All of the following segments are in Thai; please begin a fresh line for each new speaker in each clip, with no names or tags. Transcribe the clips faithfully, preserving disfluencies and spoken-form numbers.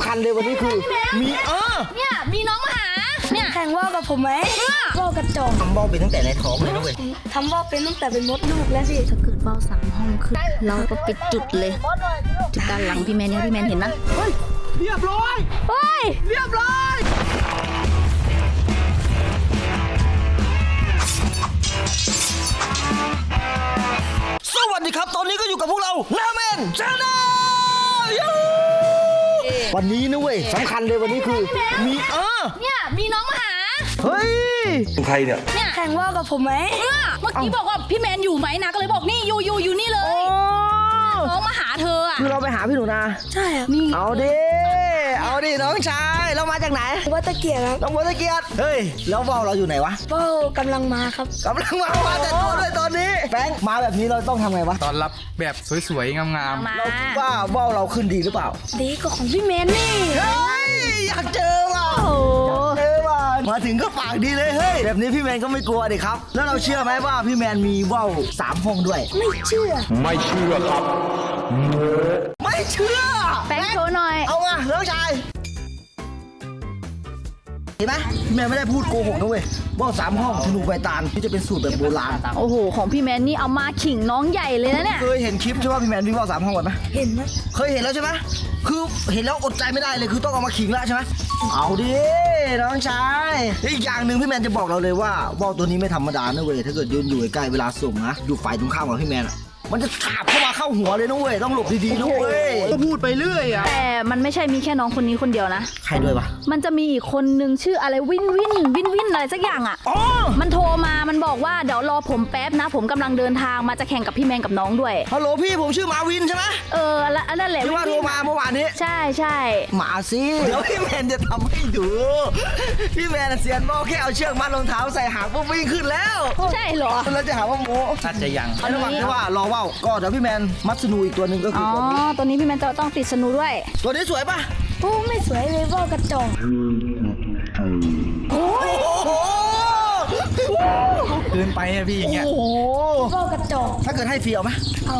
ำคัญเลยวันนี้คือมีเออ
เนี่ยมีน้องมาหาเนี่ย
แข่งว่าวกับผมไหมว่าวกระจอก
ทำว่าวเป็นตั้งแต่ในท้องเลยนะเว้ย
ทำว่าวเป็นตั้งแต่เป็นมดลูกแล้วสิ
ถ้าเกิดว่าวสามห้องขึ้นเราก็ปิดจุดเลยจุดด้านหลังพี่แมนเนี่ยพี่แมนเห็นไหม
เฮ้ยเรียบร้อย
เฮ้ย
เรียบร้อยสวัสดีครับตอนนี้ก็อยู่กับพวกเรานาเมนชาแนลวันนี้นะเว้ยสำคัญเลยวันนี้คือมีเออ
เนี่ยมีน้องมาหา
เฮ้ยใครเนี่ย
เนี่ยแข่งว่าวกับผมไหม
เมื่อกี้บอกว่าพี่แมนอยู่ไหมนะก็เลยบอกนี่อยู่อยู่อยู่นี่เลยน้องมาหาเธออ่ะ
คือเราไปหาพี่หนูนา
ใช่ครับ
นี่เอาดิเอาดิน้องชายเรามาจากไหน
วัดตะเกียบครับ
น้องวัดตะเกียบเฮ้ยแล้วว่าวเราอยู่ไหนวะ
ว่าวกำลังมาครับ
กำลังมามาแต่ตัวด้วยตอนนี้แฟงมาแบบนี้เราต้องทำไงวะ
ตอนรับแบบสวยๆงาม
ๆเราคิดว่าว่าวเราขึ้นดีหรือเปล่า
ดีกว่าของพี่เมนนี่
เฮ้ยอยากเจอว่ะอยากเจอว่ะมาถึงก็ปากดีเลยเฮ้ยแบบนี้พี่แมนก็ไม่กลัวดิครับแล้วเราเชื่อไหมว่าพี่แมนมีว่าวสามห้องด้วย
ไม่เชื่อ
ไม่เชื่อครับไม่เชื่อ
แฟงโชว์หน่อย
เอามาน้องชายเห็นไหมพี่แมนไม่ได้พูดโกหกนะเว้ยว่าวสามห้องธนูใบตาลที่จะเป็นสูตรแบบโบราณ
โอ้โหของพี่แมนนี่เอามาขิงน้องใหญ่เลยนะเนี่ย
เคยเห็นคลิปใช่ป่ะพี่แมนวิ่งว่าวสามห้องไหม
เห็นนะ
เคยเห็นแล้วใช่ไหมคือเห็นแล้วอดใจไม่ได้เลยคือต้องเอามาขิงแล้วใช่ไหมเอาดิน้องชายอีกอย่างหนึ่งพี่แมนจะบอกเราเลยว่าว่าวตัวนี้ไม่ธรรมดานะเว้ยถ้าเกิดยืนอยู่ใกล้เวลาส่งนะอยู่ฝ่ายตรงข้ามกับพี่แมนมันจะขาบเข้ามาเข้าหัวเลยนะเว้ยต้องหลบดีๆนะเว้ยก็พูดไปเรื่อยอะ
แต่มันไม่ใช่มีแค่น้องคนนี้คนเดียวนะ
ใครด้วยวะ
มันจะมีอีกคนนึงชื่ออะไรวินวินวินวินอะไรสักอย่างอ่ะ
อ๋อ
มันโทรมามันบอกว่าเดี๋ยวรอผมแป๊บนะผมกำลังเดินทางมาจะแข่งกับพี่แมนกับน้องด้วย
ฮัลโหลพี่ผมชื่อมาวินใช่ไหม
เออแล้วนั่นแหละ
ที่ว่าโทรมาเมื่อวานนี้
ใช่ใช่
มาสิเดี๋ยวพี่แมนจะทำให้ดูพี่แมนเซียนบอกแค่เอาเชือกมัดรองเท้าใส่หางปุ๊บวิ่งขึ้นแล้ว
ใช่เหรอ
แล้วจะหาว่าโม้
อาจจะยัง
ระหว่างที่ว่ารอว่าวก็เดี๋ยวพี่แมนมัดสนูอีกตัวหนึ่งก็คือ
อ๋อตัวนี้พี่แมนจะต้องติดสนูด้วย
ตัวนี้สวยป่ะ
โอ้ไม่สวยเลยว่าวกระจอก
โอ้โห
เกินไปอะพี่อย่างเงี้ย
โอ้โห
ว่าวกระจอก
ถ้าเกิดให้ฟรีเอาไหม
เอา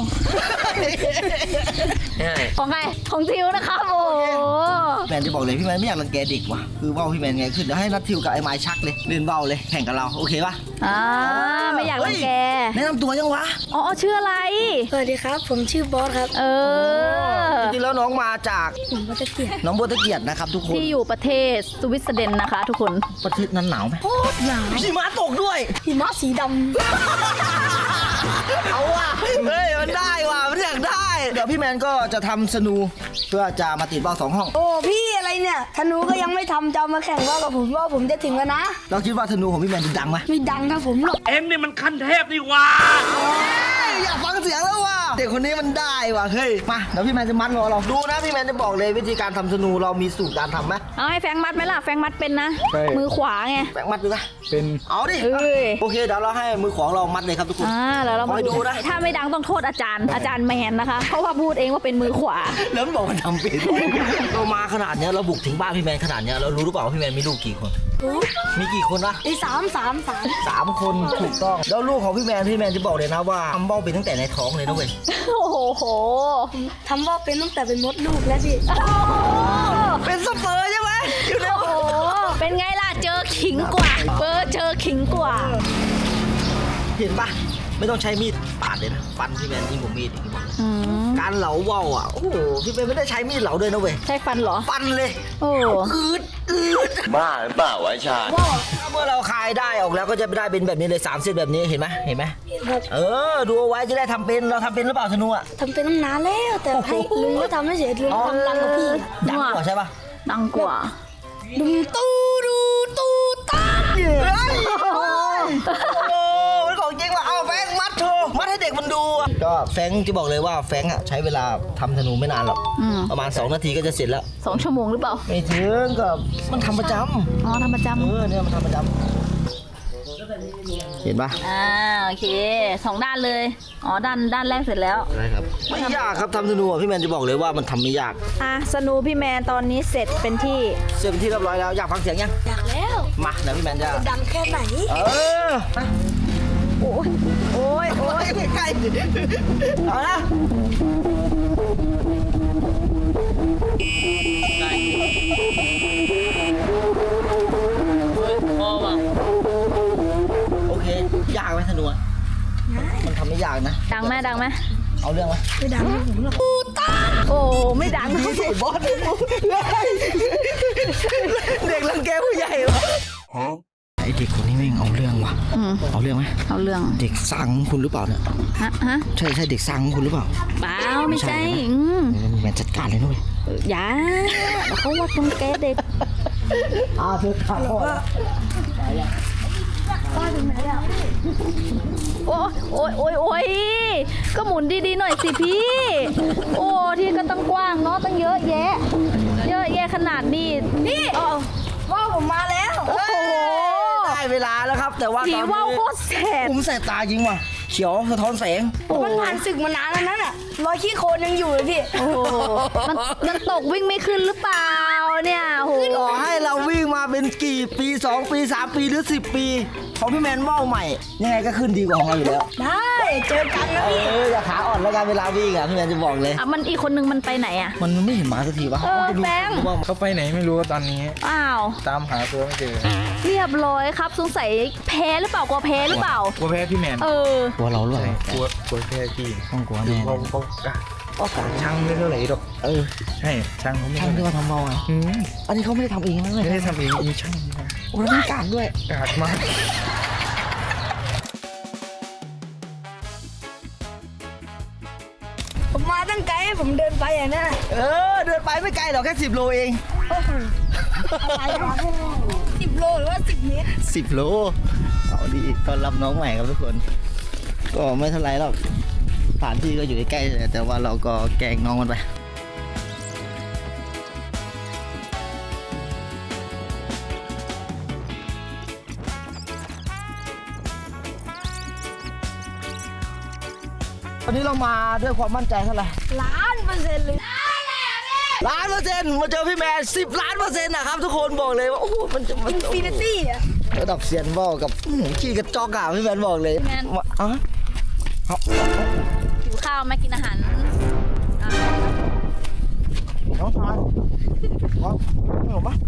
ของใครของทิวนะครับโอ้
แมนจะบอกเลยพี่แมนไม่อยากรังแกเด็กว่ะคือว่าวพี่แมนไงขึ้นเดี๋ยวให้นัดทิวกับไอ้ไม้ชักเลยเล่นว่าวเลยแข่งกับเราโอเคป่ะ
อ่าไม่อยากรังแก
แนะนำตัวยังวะ
อ๋อชื่ออะไร
สวัสดีครับผมชื่อบอสครับ
เออ
จริงๆแล้วน้องมาจาก
น้องบัวตะเกียบ
น้องบัวตะเกียบนะครับทุกคน
ที่อยู่ประเทศสวิตเซอร์แลนด์นะคะทุกคน
ประเทศนั้นหนาวไหม
โคตรหนาว
หิมะตกด้วย
หิมะสีดำ
เอาว่ะเฮ้ยมันได้ว่ะมันอยากได้เดี๋ยวพี่แมนก็จะทำสนูเพื่อจะมาติดว่าวสองห้อง
โอ้พี่อะไรเนี่ยธนูก็ยังไม่ทำจะมาแข่งว่าวกับผมว่าผมจะถึงแล้วนะ
เราคิดว่าธนูของพี่แมนจะดังไหม
ไม่ดังครับผมหรอก
เอ็งนี่มันขั้นเทพนี่ว่า
อยากฟังเสียงแล้วว่ะเด็กคนนี้มันได้ว่ะเฮ้ยมาเดี๋ยวพี่แมนจะมัดงอเราดูนะพี่แมนจะบอกเลยวิธีการทำธนูเรามีสูตรการทำไหม
เอาให้แฟงมัดไหมล่ะแฟงมัดเป็นนะมือขวาไง
แฟงมัดดูนะ
เป็น
เอาดิโอเคเดี๋ยวเราให้มือของเรามัดเลยครับทุกคน
อ่าแล้วเรา
คอยดูนะ
ถ้าไม่ดังต้องโทษอาจารย์อาจารย์แมนนะคะเพราะว่าพูดเองว่าเป็นมือขวา
แล้วมันบอกมันทำเป็นเรามาขนาดนี้เราบุกถึงบ้านพี่แมนขนาดนี้เรารู้หรือเปล่าว่าพี่แมนมีลูกกี่คนมีกี่คนวะ
มีสามสามสาม
สามคนถูกต้องแล้วลูกของพี่แมนพี่แมนจะบอกเลยนะว่าทำว่าวเป็นตั้งแต่ในท้องเลยนะเว้ย
โอ้โห
ทำว่าวเป็นตั้งแต่เป็นมดลูกแล้วสิ
เป็นสเปอร์ใช่ไหมอยู่ในโอ้
เป็นไงล่ะเจอขิงกว่าเบอร์เจอขิงกว่า
เห็นปะไม่ต้องใช้มีดปาดเลยนะฟันพี่แมนยิ่งกว่ามีดอีกการเหลาว่าวอ่ะโอ้โหพี่แมนไม่ได้ใช้มีดเหลาด้วยนะเว้ย
ใช้ฟันเหรอ
ฟันเลย
โอ้
อืดอืด
บ้าหรือเปล่าวะชา
เมื่อเราคายได้ออกแล้วก็จะได้เป็นแบบนี้เลยสามเส้นแบบนี้เห็นไหมเห็นไหมเออดูเอาไว้จะได้ทำเป็นเราทำเป็นหรือเปล่าธนูอ่ะ
ทำเป็นตั้งนานแล้วแต่ให้ลุงก็ทำไม่เสร็จลุงทำดังกว่าพี่
ดังกว่าใช่ปะ
ดังกว่า
ดูตู้ดูตู้ตา
โอ้มันของจริงว่ะเอาแฟงมัดโชว์มัดให้เด็กมันดูก็แฟงจะบอกเลยว่าแฟงอ่ะใช้เวลาทำธนูไม่นานหรอกประมาณสองนาทีก็จะเสร็จแล้ว
สองชั่วโมงหรือเปล่า
ไม่ถึงก็มันทำประจำ
อ๋อทำประจำ
เออเนี่ยมันทำประจำเห็นปะ
อ่าโอเคสองด้านเลยอ๋อด้านด้านแรกเสร็จแล้ว
ใช่ครับไม่ยากครับทำธนูพี่แมนจะบอกเลยว่ามันทำไม่ยาก
อ่ะธนูพี่แมนตอนนี้เสร็จเป็นที่
เสร็จเป็นที่เรียบร้อยแล้วอยากฟังเสียงยัง
อยากแล้ว
มาเดี๋ยวพี่แมนจะ
ดังแค่ไหน
เออโอ้ยโอ้ยโอ้ยใกล้เอาละโอเคยากไหมธนูอะมันทำไม่ยากนะ
ดังไหมดังไหม
เอาเรื่องไหม
ไม่ดังไม่ผมหรอก
โอ้ไม่ดัง
พี่สิบอสเด็กรังแกผู้ใหญ่วะไอเด็กคนนี้แม่งเอาเรื่องว่ะ
อืม
เอาเรื่องไหม
เอาเรื่อง
เด็กสร้างคุณหรือเปล่าเนี่ย
ฮะฮะ
ใช่ใช่เด็กสร้างคุณหรือเปล่า
เปล่าไม่ใช่อืม
แมนจัดการเลยนุ้ย
อย่าเขาว่าตรงแกเด็ก
อาเธอขาดพ่อ
ป้าถึงไหนอ่ะ
โอ้โอ้ยโอ้ยโอ้ยก็หมุนดีๆหน่อยสิพี่ โอ้ที่ก็ตั้งกว้างเนาะตั้งเยอะแยะ เยอะแยะขนาดนี้พี่
ว่าวผมมาแล้ว
โอ้โห
ได้เวลาแล้วครับ แต่ว่า
ผี
ตอน
ว่าว
นี้
โคตรแสบ
ผมแสบตาจริงว่ะเขียวสะท้อนแสง
มันผ่านศึกมานานแล้วนั่นอ่ะรอยขี้โคลนยังอยู่เลยพี่
โอ้โหมันมันตกวิ่งไม่ขึ้นหรือเปล่าเนี่ยโอ้โห
ต่อให้เราวิ่งมาเป็นกี่ปีสองปีสามปีหรือสิบปีของพี่แมนว่าวใหม่ ยังไงก็ขึ้นดีกว่าของเราอยู่แล้ว
ได้เจอกันนะ
เอ
พี่
ออย่าขาอ่อนแล้วกันเวลาวิ่งอ่ะพี่แมนจะบอกเลย
อ่ะมันอีกคนนึงมันไปไหนอ่ะ
มันไม่เห็นหมาสักทีวะ
เออ
มันจะมี
แบงค์
ว่า
เขาไปไหนไม่รู้ตอนนี้
อ้าว
ตามหาตัวไม่เจอ
เรียบร้อยครับสงสัยแพ้หรือเปล่ากลัวแพ้หรือเปล่า
กลัวแพ้พี่แมน
เออ
กลัวเราหรือเป
ใช่
ล่าก
ลัวกลัวแพ้พี่
ต้องกลัวแน่
เขาเขากะ
ก็การ
ช่างไม่เท่าไหร่หรอก
เออ
ใช่ช่างเขาไม่
ช่างที่
เท่าไหร่
ว่าทำว่าวอ่ะ
อืม
อันนี้เขาไม่ได้ทำเองนะเล
ไม่
ย
ได้ทำเองมีช่างนะ
โอ้แล้วมีการด้วย
กาดมาก
ผมมาตั้งไกลให้ผมเดินไปอย่างนั้นอะ
เออเดินไปไม่ไกลหรอกแค่สิบโลเอง
สิบโลหรือว่าสิบเมตร
สิบโลเอาดีต้อนรับน้องใหม่ครับทุกคน ก็ไม่เท่าไรหรอกสถานที่ก็อยู่ใกล้ๆแต่ว่าเราก็แกล้งน้องมันไปวันนี้เรามาด้วยความมั่นใจเท่าไหร่
ล้านเปอร์เซ็นต์เลย
ล้านเปอร์เซ็นต์มาเจอพี่แมนสิบล้านเปอร์เซ็นต์นะครับทุกคนบอกเลยว่าโอ้โหมันจะมัน
อินฟินิตี้อ่ะ
ระดับเซียนบอกกับอื้อหือขี้กระจอกอ่ะพี่แมนบอกเลย
พี่แมน
ว่าอ๋อเอา
หิวข้าวไหมากินอาหารอ่ะ
น้องชายว้าวไม่หรอปะ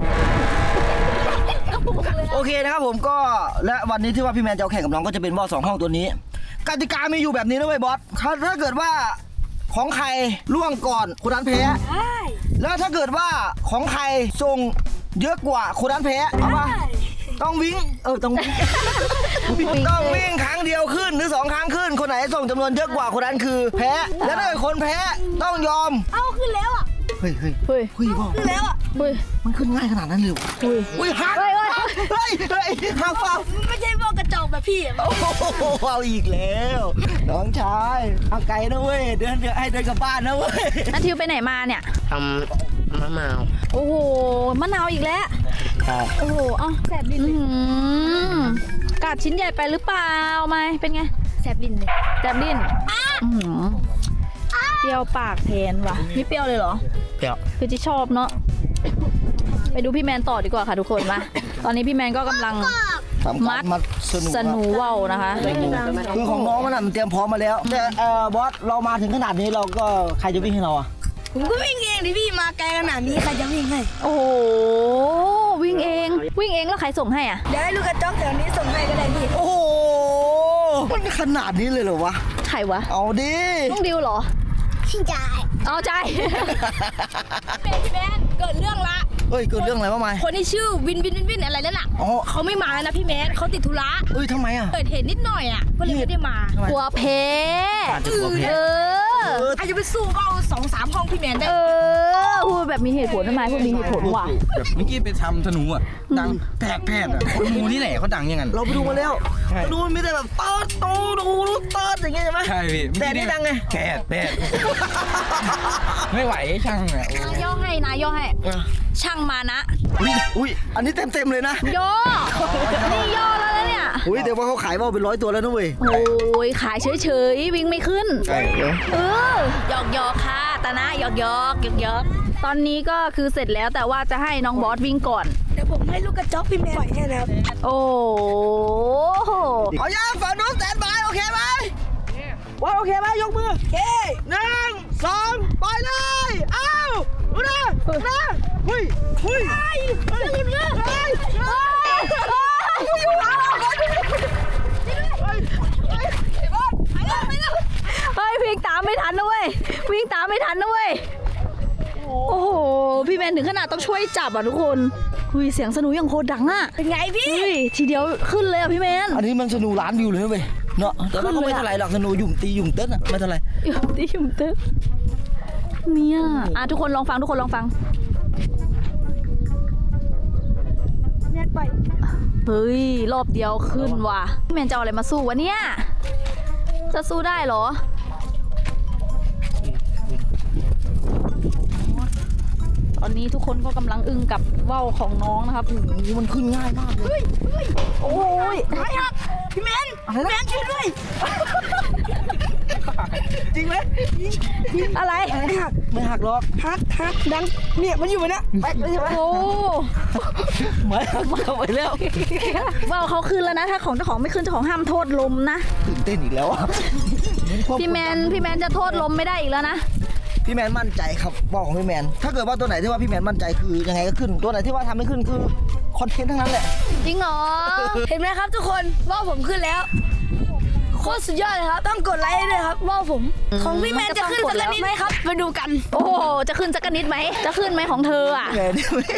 โอเคนะครับผมก็และวันนี้ที่ว่าพี่แมนจะเอาแข่งกับน้องก็จะเป็นบอสสองห้องตัวนี้กติกามีอยู่แบบนี้นะเว้ยบอสถ้าถ้าเกิดว่าของใครล่วงก่อนคนนั้นแพ้
ได้
แล้วถ้าเกิดว่าของใครส่งเยอะกว่าคนนั้นแพ้เอาปะต้องวิ่งเออต้องวิ่งต้องวิ่งครั้งเดียวขึ้นหรือสองครั้งขึ้น คนไหนส่งจำนวนเยอะกว่าคนนั้นคือ แพ้ แล้วถ้าเกิดคนแพ้ต้องยอม
เอาขึ้นแล้วอ่ะ
เฮ้ยเฮ้ย
เฮ้ย
เฮ้ยบอก
ขึ้นแล้วอ่ะ
เฮ้ย
มันขึ้นง่ายขนาดนั้นเลยเหรออุ้ยหัก
เฮ้ยเฮ้ย
เฮ้ยเฮ้ยหักเปล่า
ไม่ใช่พวกกระจอกแบบพี่อะ
โอ้โหเอาอีกแล้วน้องชายเอาไกลนะเว้ยเดินเดินให้เดินกลับบ้านนะเว้ย
นาทิวไปไหนมาเนี่ย
ทำมะนาว
โอ้โหมะนาวอีกแล้ว โอ้โหเอ้าแสบลิ้นกัดชิ้นใหญ่ไปหรือเปล่าไม่เป็นไง
แสบลิ้นเลย
แสบลิ้นอื้อหือเปรี้ยวปากแทนว่ะไม่เปรี้ยวเลยเหรอ
เดี๋ยว
คือที่ชอบเนาะ ไปดูพี่แมนต่อดีกว่าค่ะทุกคนมา ตอนนี้พี่แมนก็กำลัง
ทำ
มั
กา
ด
รมัดสนุก
สนูว่าวนะคะ
คือของน้องมันน่ะมันเตรียมพร้อมมาแล้ว แต่เอ่อบอสเรามาถึงขนาดนี้เราก็ใครจะวิ่งให้เราอ่ะ
ผมก็วิ่งเองดิพี่มาไกลขนาดนี้ใครจะวิ่งให้
โอ้โห วิ่งเอง วิ่งเองแล้วใครส่งให้อ่ะ
เดี๋ยวให้ลูกกระจอกแถวนี้ส่งให้ก็ได้พี่
โอ้โหมันขนาดนี้เลยเหรอวะ
ใครวะ
เอาดิ
น้องดิวเหรอ
พี่จ่าย
เอาใจ
เป็นพี่แมนเกิดเรื่องละ
เฮ้ยเกิดเรื่องอะไรวะไม่
คนที่ชื่อวินวินวินวินอะไรนั่นน่ะ
อ๋อ
เขาไม่มาแล้วนะพี่แมนเขาติดธุระ
เอ้ยทำไมอ่ะ
เกิดเหตุนิดหน่อยอ่ะก็เลยไม่ได้มา
ทำไม
กลัวเพ
อาจจะกลัวแพ้
เออ
เออ
อาจจะไปสู้ก็เอาสองสามห้องพี่แมนได้
เออ พูดแบบมีเหตุผลทำไมพูดมีเหตุผลว่ะ
แบบเมื่อกี้ไปทำธนูอ่ะ ดังแผดแผดอ่ะคนมูนี่แหละเขาดังอยังไง
เราไปดูมาแล้ว
ใช่
ดูมันมีแต่แบบเติร์ดตูดูเติร์ดอย่างเงี้ยใช่ไหม
ใช่พี่
แต่นี่ดังไง
แผดแผดไม่ไหวช่างอ่ะ
นายย่อให้นายย่อให้ ช่างมานะ
อุ้ยอุ้ยอันนี้เต็มเต็มๆเลยนะ
ย่อ นี่ย่อแล้วนะเนี่ย
อุ้ยแต่ว่าเขาขายว่าวเป็นร้อยตัวแล้วนะเว้ย
โอ้ยขายเฉยๆ วิ่งไม่ขึ้น
ใช่เดี๋ยว
เออหยอกหยอกๆค่ะตานะหยอกหยอกหยอกหยอกๆตอนนี้ก็คือเสร็จแล้วแต่ว่าจะให้น้องบอสวิ่งก่อน
เดี๋ยวผมให้ลูกกระจอกพี่แมนปล่อยให้นะครับ
โอ้โห
เอาย่างฝั่งนู้นแตนบายโอเคไหมว่าโอเคไหมยกมือ
เย้
หนึ่งสองไปเลย เอ้าดูนะนะเฮ้ยเฮ้ยเฮ้ยหลุดเลยเฮ้ยเฮ้ย
เฮ้ยวิ่งตามไม่ทันนะเว้ยวิ่งตามไม่ทันนะเว้ยโอ้โหพี่แมนถึงขนาดต้องช่วยจับอ่ะทุกคนคุยเสียงสนุกอย่างโคตรดังอ่ะ
เป็นไงพี่
เฮ้ยทีเดียวขึ้นเลยอ่ะพี่แมน
อันนี้มันสนูล้านวิวเลยนะเว้ยเนาะแต่ว่าก็ไม่เท่าไหร่หรอกสนูหยุ่มตีหยุ่มเต้นอะไม่เท่าไหร่
อยู่ที่ชุมตึกเนี่ยอ่ะทุกคนลองฟังทุกคนลองฟัง
แม่ปล่อย
เฮ้ยรอบเดียวขึ้นว่ะพี่แมนจะเอาอะไรมาสู้วะเนี่ยจะสู้ได้เหรอตอนนี้ทุกคนก็กำลังอึ้งกับว่าวของน้องนะครับ
โอ้โหมันขึ้นง่ายมากเลย
โอ้ย
ไม่หักพี่แมนพี่แมนช่วยด้วย
จริงไหม
อะไร
ไม่หัก
ไม่หักหรอก
หักหักดังเนี่ยมันอยู่บนเนี้ยแป๊กเลยใช่ไหม
โอ้
ไม่หักเข้าไปแล้ว
ว่าวเขาขึ้นแล้วนะถ้าของเจ้าของไม่ขึ้นเจ้าของห้ามโทษลมนะ
ตื่นเต้นอีกแล้วอะ
พี่แมนพี่แมนจะโทษลมไม่ได้อีกแล้วนะ
พี่แมนมั่นใจครับบอกของพี่แมนถ้าเกิดว่าตัวไหนที่ว่าพี่แมนมั่นใจคือยังไงก็ขึ้นตัวไหนที่ว่าทำไม่ขึ้นคือคอนเทนต์ทั้งนั้นแหละ
จริงเหรอ
เห็นไหมครับทุกคนว่าผมขึ้นแล้วโคตรสุดยอดเลยครับต้องกดไลค์ให้ด้วยครับว่าผมของพี่แมนจะขึ้นสักนิดไหมครับมาดูกัน
โอ้โหจะขึ้นสักนิดไหมจะขึ้นไหมของเธออ่ะ
แกนี่ไม่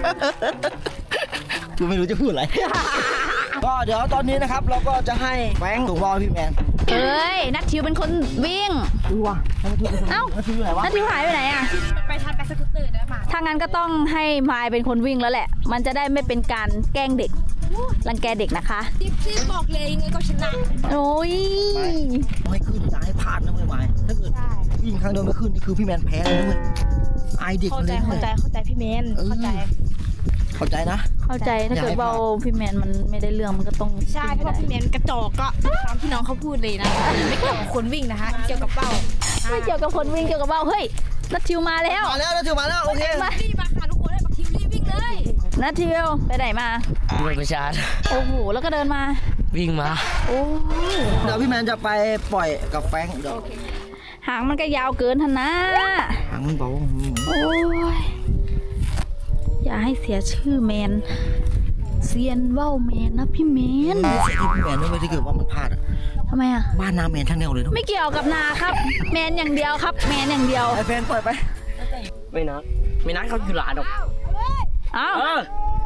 กูไม่รู้จะพูดอะไร ก็เดี๋ยวตอนนี้นะครับเราก็จะให้แบงค์ส่งบอลพี่แมน
เอ้ยนัททิวเป็นคนวิ่ง
ดูว่ะให้มันพูด
เอ้า
ให้มันพูดอยู่ไหนวะ
นัททิวหายไปไหนอ่ะ
ไปทันไปสกูตเตอร์ได้มา
ถ้างั้นก็ต้องให้มายเป็นคนวิ่งแล้วแหละ มันจะได้ไม่เป็นการแกล้งเด็กรังแกเด็กนะคะ
จิ๊บจิ๊บบอกเลยยังไงก็ชนะ
โอ้ย
ไม่ขึ้นจะให้พลาดนะเว้ยไม้ถ้าเกิดวิ่งครั้งเดียวไม่ขึ้นนี่คือพี่แมนแพ้เลยนะเว้ยอายเด็ก
เข้า
เล
ใจ
ย
เข้าใจเข้าใจพี่เมนเข้าใจ
เข้าใจนะ
เข้าใจถ้าเกิดเบาพี่แมนมันไม่ได้เรื่องมันก็ต้อง
ใช่เพราะว่าพี่เมนกระจอกก็ตามที่น้องเขาพูดเลยนะไม่เกี่ยวกับคนวิ่งนะคะเกี่ยวกับเป้า
ไม่เกี่ยวกับคนวิ่งเกี่ยวกับเบาเฮ้ยนัททิวมาแล้ว
มาแล้วนะถึงมาแล้วโอเค
รีบมาค่ะทุกคนให้บักทิวรีบวิ่งเลย
นัททิวไปไหนมา
ไปประชาร์จ
โอ้โหแล้วก็เดินมา
วิ่งมา
โอ้
เดี๋ยวพี่แมนจะไปปล่อยกับแฟรงค์เดี๋ยว
หางมันก็ยาวเกินทันนะ
หางมันเบาอืม
โอ้ยอย่าให้เสียชื่อแมนเซียนว่าวแมนนะพี่แมน
เสียที่พี่แมนด้วยเวยถ้าเกิดว่ามันพลาดอะ
ทำไมอ่ะ
บ้านนาแมนทั้งแนวเลยนะ
ไม่เกี่ยวกับนาครับ แมนอย่างเดียวครับ แมนอย่างเดียว
ไอ้แฟนปล่อยไป
ไม่นัดไม่นัดเขาอยู่หลานหรอก
เอ้า
เออ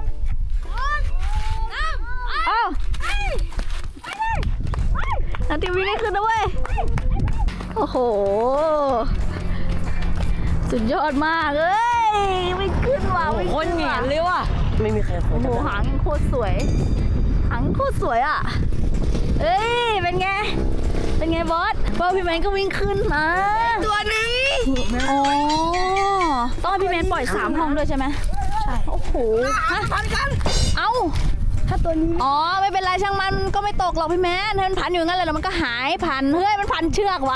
เอ้านาทีวิ่งให้ขึ้นนะเว้ยโอ้โหสุดยอดมากเอ้ยไม่ขึ้นว่ะไม่
คน
ขึ้น
เหงีย
ว่ะ
นเลยว่ะไม่มีใครค
โอ้
น
โหหางโคตรสวยหางโคตรสวยอ่ะเอ้ยเป็นไงเป็นไงบอสบอสพี่แมนก็วิ่งขึ้นมา
ตัวหนึ่ง
อ๋อต้องให้พี่แมนปล่อยสามห้องด้วยใช่ไหมใช่โอ้โหฮะ
พันกัน
เอ้า
ถ้าตัวนี้
อ๋อไม่เป็นไรช่างมันก็ไม่ตกหรอกพี่แมนถ้ามันพันอยู่งั้นเลยแล้วมันก็หายพันเฮ้ยมันพันเชือกว่ะ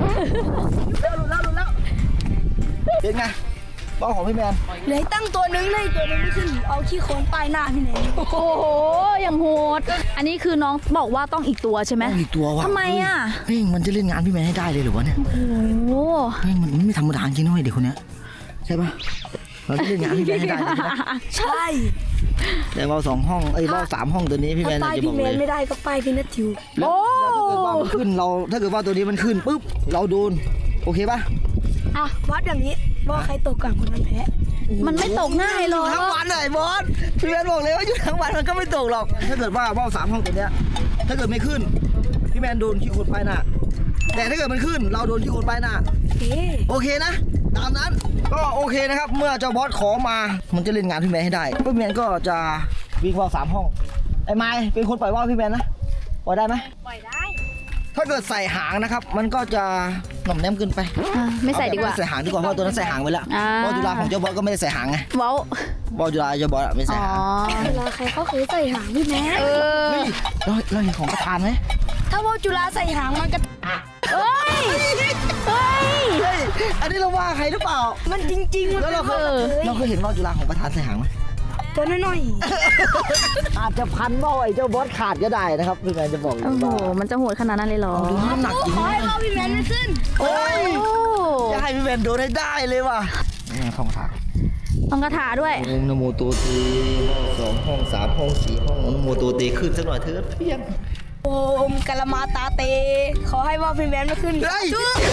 เป็นไงบ้าของพี่แมน
เหลือตั้งตัวหนึ่งเลยตัวหนึงไม่ขึ้นเอาขี้โคลนป้ายหน้าพี่แนน
โอ้โหอย่างโหดอันนี้คือน้องบอกว่าต้องอีกตัวใช่ไหม
ต้องอีกตัวว่ะ
ทำไมอ่ะ
เฮ้ยมันจะเล่นงานพี่แมนให้ได้เลยหรือวะเนี่ย
โอ้โห
เฮ้ยมันไม่ธรรมดาจริงนะเว้ยเด็กคนเนี้ยใช่ปะเราจะเล่นงานพี่แมนให้ได้เลยนะ
ใช่
แต่เราสองห้องเอ้ยเราสามห้องตัวนี้พี่แม
ถ้าน ป้าย
จะบ
พี่
อก
แม
เล
น
ย
ไม่ได้ก็ป้ายพี่นัททิว
แล้วแล้วถ้าเกิดว่ามันขึ้นเราถ้าเกิดว่าตัวนี้มันขึ้นปุ๊บเราโดนโอเคปะ
อ่ะวัดอย่างนี้ว่าใครตกก่อนคนนั้นแพ้
มันไม่ตกง่ายหรอก
ทั้งวันเลยบอสพี่แมนบอกเลยว่าอยู่ทั้งวันมันก็ไม่ตกหรอก ถ้าเกิดว่าว่าวสามห้องตัวเนี้ยถ้าเกิดไม่ขึ้นพี่แมนโดนขี้โคลนป้ายหน้าแต่ถ้าเกิดมันขึ้นเราโดนขี้โคลนป้ายหน้า
เอ๊ะ
โอเคนะ ตามนั้นก็โอเคนะครับ เมื่อเจ้าบอสขอมา มันจะเล่นงานพี่แมนให้ได้พี่แมนก็จะวิ่งว่าวสามห้อง ไอ้ไม้เป็นคนปล่อยว่าวพี่แมนนะปล่อยได้ไหม
ปล่อยได้
ถ้าเกิดใส่หางนะครับ มันก็จะหน่อมแนมเกินไป
อ่ะไม่ใส่ดีกว่า
เอแบบไม่ใส่หางดีกว่าเพราะตัวนั้นใส่หางไว้แล้ว
อ่า
บอลจุฬาของเจ้าบอสก็ไม่ได้ใส่หางไง
เว้า
บอลจุฬาเจ้าบอสอะไม่ใส่
อ๋อ
หาง
เวลาใครเขาเคยใส่หางพี่แมน
เออ
เฮ้ยเราเราเห็นของประธานไหม
ถ้าว่าจุฬาใส่หางมันก็
เฮ้ยเฮ้ย
เฮ้ยอันนี้เราว่าใครหรือเปล่า
มันจริงๆมัน
แล้วเราเคย
เออ
เราเคยเห็นว่าวจุฬาของประธานใส่หางไหม
ตัวน้อย
อาจจะพันว่าวไอ้เจ้าบอสขาดก็ได้นะครับพี่แมนจะบอกเลย
โอ้โห
ว่า
มันจะโหดขนาดนั้นเลยเหรอ
ดูน้ำหนักจริง
ขอให้ว่าพี่แมนไม่ขึ้น
โอ้ย
โอ้
จะให้พี่แมนโดนให้ได้เลยว่ะนี่ห้องทาง
ต้องคาถาด้วย
โอมนะโมโตเตห้องสองห้องสามห้องสี่ห้องนะโมโตเตขึ้นสักหน่อยเถอะเพียง
โอมกะละมาตาเต ขอให้ว่าพี่แมนไม่ขึ้น
เฮ้ย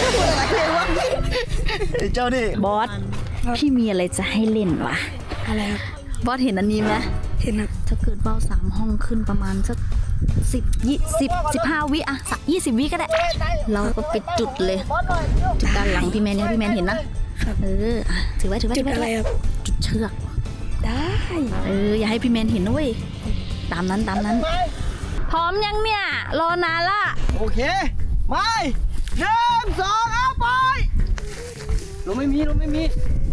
ไอ้เจ้านี่
บอส พี่มีอะไรจะให้เล่นวะ
อะไรครับ
บอสเห็นอันนี้ไหม
เห็นครับ
ถ้าเกิดว่าวสามห้องขึ้นประมาณสักสิบยี่สิบสิบห้าวิอะสักยี่สิบวิก็ได้ เราก็ไปจุดเลย จุดด้านหลังพี่แมนเนี่ยพี่แมนเห็นนะ เอออ่ะถือไว้ถือไว้
จุด
ถืว้
อะไรครับ
จุดเชือก
ได้
เอออย่าให้พี่แมนเห็นนะเว้ย ตามนั้นตามนั้น พร้อมยังเนี่ย รอนานละ
โอเคไม่หนึ่งสองเอาไป
ลมไม่มีลมไม่มี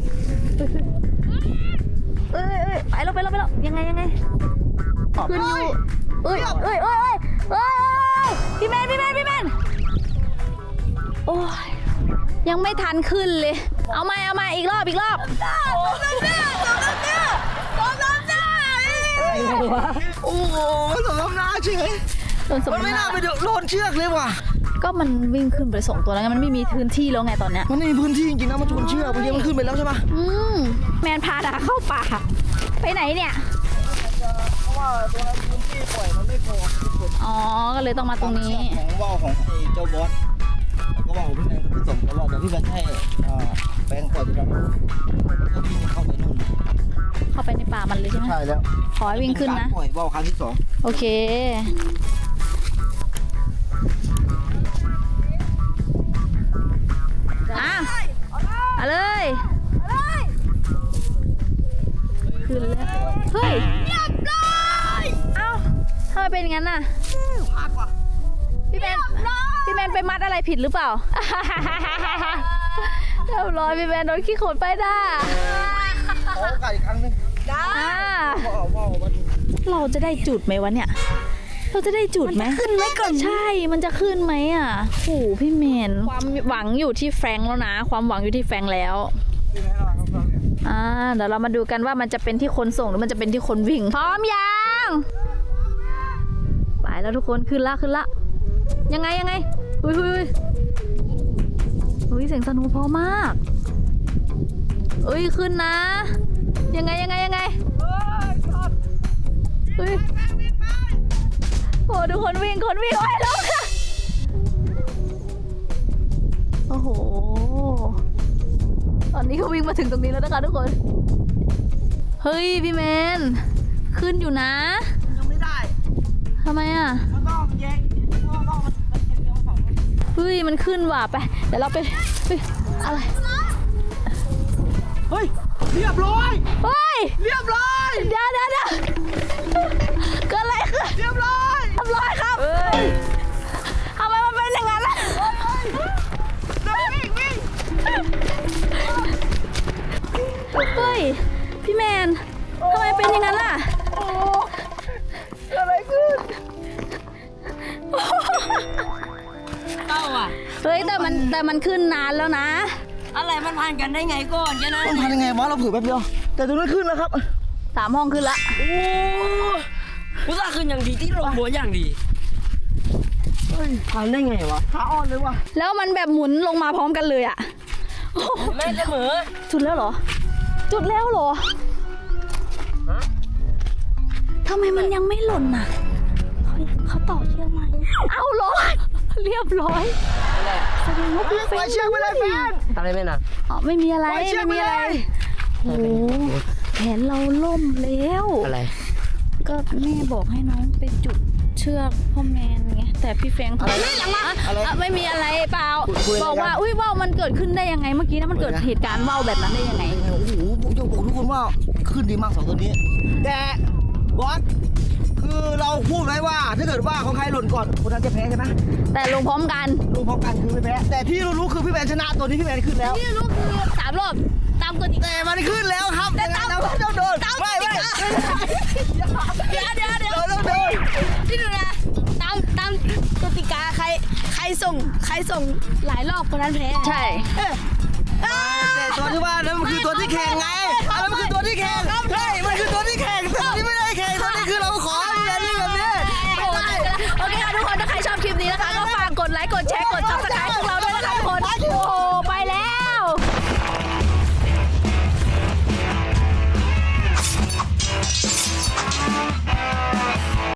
เอ้ยเอ้ยไปแล้วไปแล้วไปแล้วยังไงยังไง ขึ้นอยู่เอ้ยเอ้ยเอ้ยเอ้ยเอ้ยพี่แมนพี่แมนพี่แมนโอ้ยยังไม่ทันขึ้นเลย เอาใหม่เอาใหม่อีกรอบอีกรอบ
โอ้โหสมน้ำหน้าเฉย
โดนสม
มันไม่
น้ำห
น่า
น้า
ไปโดนเชือกเลยว่ะ
ก็มันวิ่งขึ้นไปส่งตัวแล้วไงมันไม่มีพื้นที่แล้วไงตอนเนี้ย
มันไม่มีพื้นที่จริงๆนะมันชนเชือกเมื่อกี้มันขึ้นไปแล้วใช่ปะ
อืมแมนพาดาเข้าป่าไปไหนเนี่ย
เพราะว่าตัวนั้นพื้นที่ปล่อยมันไม่พอ
อ๋อก็เลยต้องมาตรงนี้
ของว่าวของไอ้เจ้าบอสแล้วก็ว่าวพี่แมนก็ไปส่งตลอดเดี๋ยวพี่แมนให้อ่าแปลงปล่อยตัวนั้นแล้วก็วิ่งเข้าไปนู่น
เข้าไปในป่ามันเลยใช่ไหม
ใช่แล้ว
ขอให้วิ่งขึ้นนะ
ปล่อยว่าวครั้งที่สอง
โอเค อ่ะเอาเลย ขึ้นเลยเฮ้ยเรียบร้อยเอ้าทำไมเป็นอย่างนั้นน่ะพี่แมนพี่แมนไปมัดอะไรผิดหรือเปล่า เรียบร้อยพี่แมนโดนขี้โขนไปด้า
ขอโอกาสอีกครั้งหนึง
อ่า
ว่าวว่าวมัน
เราจะได้จุดไหมวะเนี่ย เราจะได้จุดไหมขึ้นไหมก่อนใช่ มันจะขึ้นไหมอ่ะโอ้โหพี่เมนความหวังอยู่ที่แฟรงค์แล้วนะ ความหวังอยู่ที่แฟรงค์แล้วอ่าเดี๋ยวเรามาดูกันว่ามันจะเป็นที่คนส่งหรือมันจะเป็นที่คนวิ่ง พร้อมยังไปแล้วทุกคนขึ้นละขึ้นละยังไงยังไงอุ้ยอุ้ยอุ้ยเสียงสนุกพอมากเอ้ยขึ้นนะ ยังไงยังไงยังไงเฮ้ยโอ้ดูคนวิ่งคนวิ่งไว้แล้วค่ะโอ้โหตอนนี้เขาวิ่งมาถึงตรงนี้แล้วนะคะทุกคนเฮ้ยพี่แมนขึ้นอยู่นะ
ยังไม่ได้
ทำไมอ่ะ
มันต้องแยกว่าวว่าวมันมันเกี่ยวกับฝั่งนู้น
เฮ้ยมันขึ้นว่ะไปเดี๋ยวเราไปเฮ้ยอะไร
เฮ้ยเรียบร้อย
เฮ้ย
เรียบร้อย
เดี๋ยวเดี๋ยวเดี๋ยวเกิดอะไรขึ้น
เรียบร้อย
ทำร้อยครับทำไมมันเป็นอย่างนั้นล่ะ
วิ่งวิ่ง
เฮ้ยพี่แมนทำไมเป็นอย่างนั้นล่ะ
อะไรขึ้น
เต้าอ่ะ
เฮ้ยแต่มันแต่มันขึ้นนานแล้วนะ
อะไรมันผ่านกันได้ไงก่อนแค่นั้น
มันทำยังไงวะเราเผือแป๊บเดียวแต่ตรงนั้นขึ้นแล้วครับ
สามห้องขึ้นละ
โอ้อุตส่าห์ขึ้นอย่างดีที่ลงบัวอย่างดีเฮ้ยผ่านได้ไงวะ
ขาอ่อนเลยว่ะ
แล้วมันแบบหมุนลงมาพร้อมกันเลยอะโอ้โห
แม่เสมอ
จุดแล้วเหรอ จุดแล้วเหรอทำไมมันยังไม่หล่นน่ะเขาเขาต่อเชือกมาเอาหรอเรียบร้อยแสดงว่าพี่เฟ
ไป
น
เชือกไปเลยแฟน
อะไรไม่นะ
อ๋อไม่มีอะไร
ปล่อยเชือก
ไม่มีอะไร
ไปเลย
โอ้โหแผนเราล่มแล้ว
อะไร
ก็แม่บอกให้น้องไปจุดเชือกพ่อแมนไงแต่พี่แฟงทำไมหลังมาไม่มีอะไรเปล่าบอกว่าอุ้ยว่าวมันเกิดขึ้นได้ยังไงเมื่อกี้นะมันเกิดเหตุการณ์ว่าวแบบนั้นได้ยังไง
โอ้โหผมจะบอกทุกคนว่าขึ้นดีมากสองตัวนี้ แต่บอสคือเราพูดไว้ว่าถ้าเกิดว่าของใครหล่นก่อนคนนั้นจะแพ้ใช่ไหม
แต่ลงพร้อมกัน
ลงพร้อมกันคือไม่แพ้แต่ที่รู้ๆคือพี่แมนชนะตัวนี้พี่แมนขึ้นแล้ว
ที่รู้คือสามรอบตามกติกา
แต่มันขึ้นแล้วครับแต่ตามเราต้องโดนไม่ไม่
เดี๋ยวเดี๋ยวเดี๋ยว
เราต้องโดน
ที่ดูนะตามตามกติกาใครใครส่งใครส่งหลายรอบคนนั้นแพ้
ใช่
แต่ตัวที่ว่านั้นมันคือตัวที่แข่งไงอันนั้นมันคือตัวที่แข่ง